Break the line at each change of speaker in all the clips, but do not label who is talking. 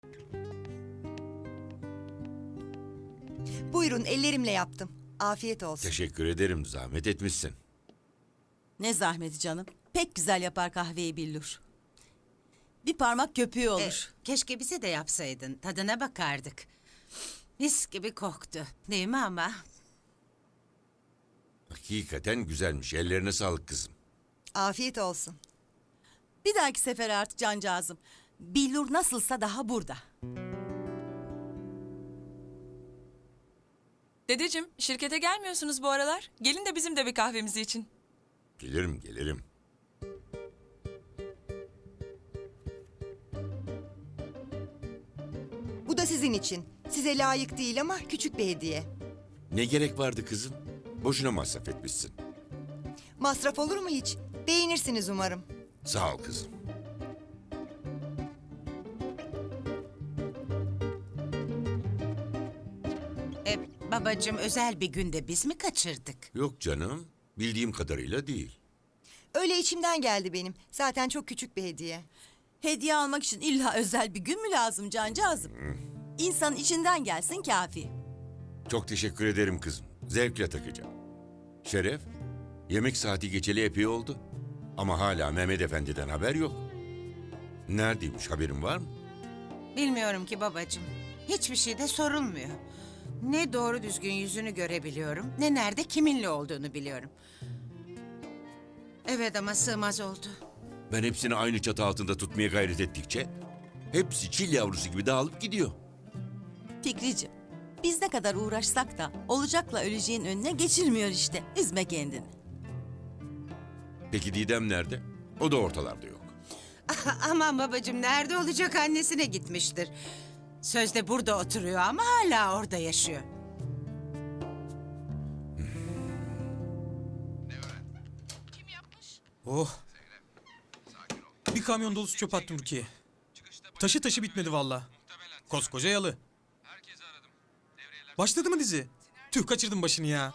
Buyurun, ellerimle yaptım. Afiyet olsun.
Teşekkür ederim, zahmet etmişsin.
Ne zahmeti canım. Pek güzel yapar kahveyi Billur. Bir parmak köpüğü olur.
Keşke bize de yapsaydın. Tadına bakardık. Mis gibi koktu. Değil mi ama?
Hakikaten güzelmiş. Ellerine sağlık kızım.
Afiyet olsun.
Bir dahaki sefer artık cancağızım. Billur nasılsa daha burada.
Dedeciğim, şirkete gelmiyorsunuz bu aralar. Gelin de bizim de bir kahvemizi için.
Gelirim.
Bu da sizin için. Size layık değil ama küçük bir hediye.
Ne gerek vardı kızım? Boşuna masraf etmişsin.
Masraf olur mu hiç? Beğenirsiniz umarım.
Sağ ol kızım.
Babacığım özel bir günde biz mi kaçırdık?
Yok canım, bildiğim kadarıyla değil.
Öyle içimden geldi benim. Zaten çok küçük bir hediye.
Hediye almak için illa özel bir gün mü lazım cancağızım? İnsanın içinden gelsin kafi.
Çok teşekkür ederim kızım. Zevkle takacağım. Şeref, yemek saati geçeli epey oldu. Ama hala Mehmet Efendi'den haber yok. Neredeymiş, haberin var mı?
Bilmiyorum ki babacığım. Hiçbir şey de sorulmuyor. Ne doğru düzgün yüzünü görebiliyorum, ne nerede kiminle olduğunu biliyorum. Evet ama sığmaz oldu.
Ben hepsini aynı çatı altında tutmaya gayret ettikçe... hepsi çil yavrusu gibi dağılıp gidiyor.
Fikriciğim, biz ne kadar uğraşsak da olacakla öleceğin önüne geçilmiyor işte. Üzme kendini.
Peki Didem nerede? O da ortalarda yok.
Aman babacığım nerede olacak, annesine gitmiştir. Sözde burada oturuyor ama hala orada yaşıyor.
Oh. Bir kamyon dolusu çöp attım Rukiye. Taşı taşı bitmedi valla. Koskoca yalı. Başladı mı dizi? Tüh, kaçırdım başını ya.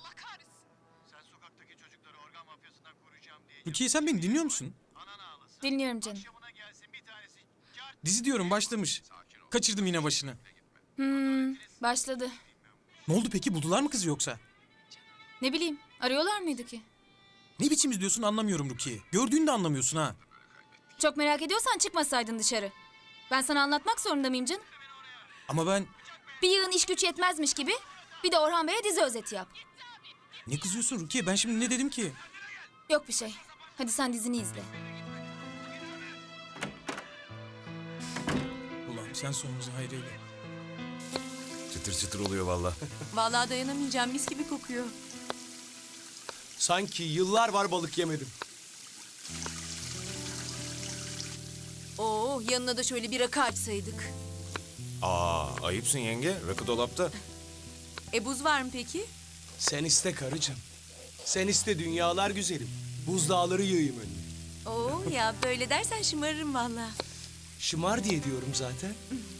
Rukiye, sen beni dinliyor musun?
Dinliyorum canım.
Dizi diyorum, başlamış. Kaçırdım yine başını.
Başladı.
Ne oldu peki, buldular mı kızı yoksa?
Ne bileyim, arıyorlar mıydı ki?
Ne biçim izliyorsun anlamıyorum Rukiye. Gördüğünü de anlamıyorsun ha.
Çok merak ediyorsan çıkmasaydın dışarı. Ben sana anlatmak zorunda mıyım canım?
Ama ben...
Bir yığın iş güç yetmezmiş gibi bir de Orhan Bey'e dizi özeti yap.
Ne kızıyorsun Rukiye, ben şimdi ne dedim ki?
Yok bir şey. Hadi sen dizini izle.
Ulan sen sonumuzu hayreyle.
Çıtır çıtır oluyor vallahi.
Vallahi dayanamayacağım, mis gibi kokuyor.
Sanki yıllar var balık yemedim.
Oo, yanına da şöyle bir rakı açsaydık.
Ayıpsın yenge. Rakı dolapta.
Buz var mı peki?
Sen iste karıcığım. Sen iste dünyalar güzelim. Buzdağları yığayım önüne.
Oo ya, böyle dersen şımarırım vallahi.
Şımar diye diyorum zaten.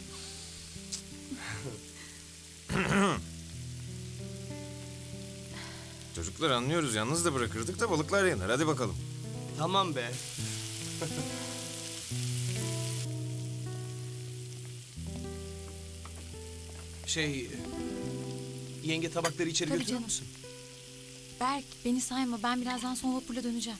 Çocuklar anlıyoruz. Yalnız da bırakırdık da balıklar yanar. Hadi bakalım.
Tamam be. Yenge tabakları içeri
Tabii
götürür
canım.
müsün?
Berk, beni sayma. Ben birazdan son vapurla döneceğim.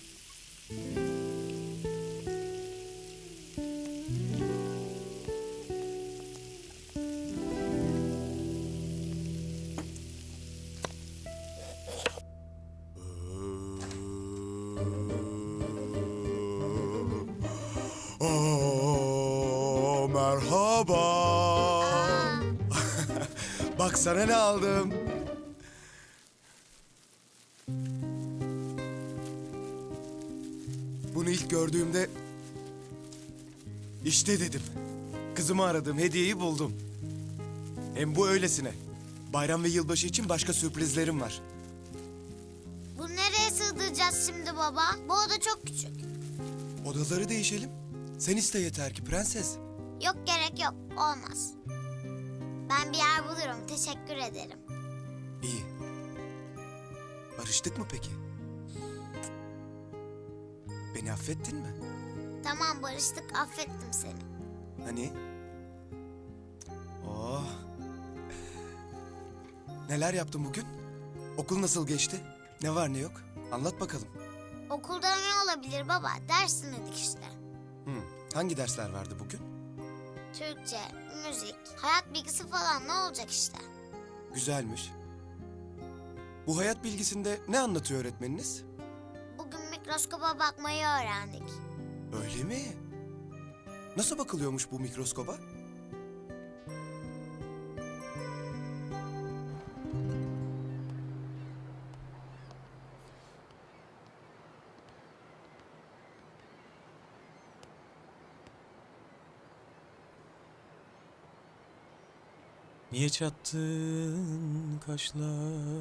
Merhaba. Bak sana ne aldım. Bunu ilk gördüğümde işte dedim. Kızımı aradım, hediyeyi buldum. Hem bu öylesine. Bayram ve yılbaşı için başka sürprizlerim var.
Bunu nereye sığdıracağız şimdi baba? Bu oda çok küçük.
Odaları değişelim. Sen iste yeter ki prenses.
Yok gerek yok. Olmaz. Ben bir yer bulurum. Teşekkür ederim.
İyi. Barıştık mı peki? Beni affettin mi?
Tamam barıştık. Affettim seni.
Hani? Neler yaptın bugün? Okul nasıl geçti? Ne var ne yok? Anlat bakalım.
Okulda ne olabilir baba? Ders dinledik işte.
Hangi dersler vardı bugün?
Türkçe, müzik, hayat bilgisi falan ne olacak işte.
Güzelmiş. Bu hayat bilgisinde ne anlatıyor öğretmeniniz?
Bugün mikroskoba bakmayı öğrendik.
Öyle mi? Nasıl bakılıyormuş bu mikroskoba?
Niye çattın kaşlarını?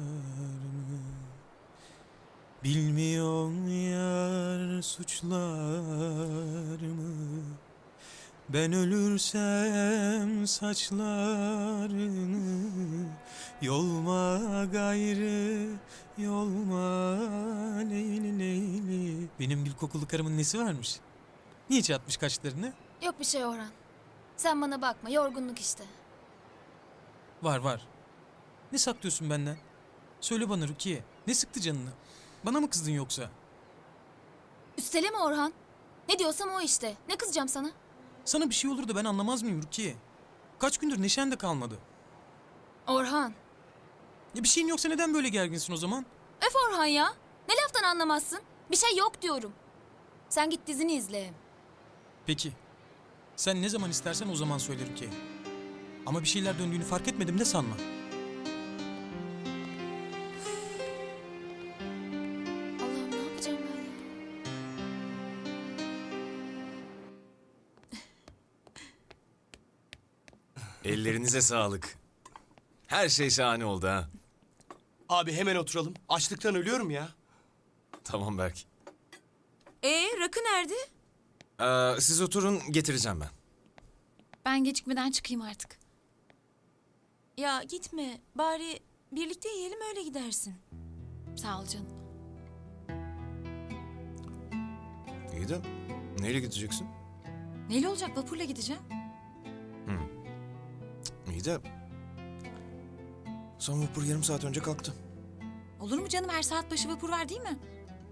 Bilmiyorum yar suçlarımı. Ben ölürsem saçlarını yolma gayrı, yolma leyli leyli. Benim gül kokulu karımın nesi varmış? Niye çatmış kaşlarını?
Yok bir şey Orhan. Sen bana bakma, yorgunluk işte.
Var var. Ne saklıyorsun benden? Söyle bana Rukiye. Ne sıktı canını? Bana mı kızdın yoksa?
Üsteleme Orhan. Ne diyorsam o işte. Ne kızacağım sana?
Sana bir şey olur da ben anlamaz mıyım Rukiye? Kaç gündür neşen de kalmadı.
Orhan.
Ya bir şeyin yoksa neden böyle gerginsin o zaman?
Öf Orhan ya. Ne laftan anlamazsın? Bir şey yok diyorum. Sen git dizini izle.
Peki. Sen ne zaman istersen o zaman söyle Rukiye. Ama bir şeyler döndüğünü fark etmedim de sanma.
Allah'ım ne yapacağım ben ya?
Ellerinize sağlık. Her şey şahane oldu ha.
Abi hemen oturalım. Açlıktan ölüyorum ya.
Tamam Berk.
Rakı nerede?
Siz oturun, getireceğim ben.
Ben gecikmeden çıkayım artık.
Ya gitme. Bari birlikte yiyelim öyle gidersin.
Sağ ol canım.
İyi de neyle gideceksin?
Neyle olacak? Vapurla gideceğim.
İyi de son vapur yarım saat önce kalktı.
Olur mu canım? Her saat başı vapur var değil mi?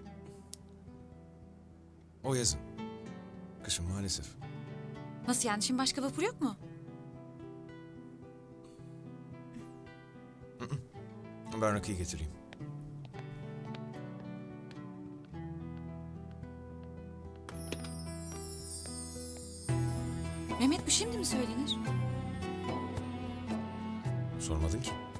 O yazın. Kışın maalesef.
Nasıl yani? Şimdi başka vapur yok mu?
Ben rakıyı getireyim.
Mehmet bu şimdi mi söylenir?
Sormadın ki.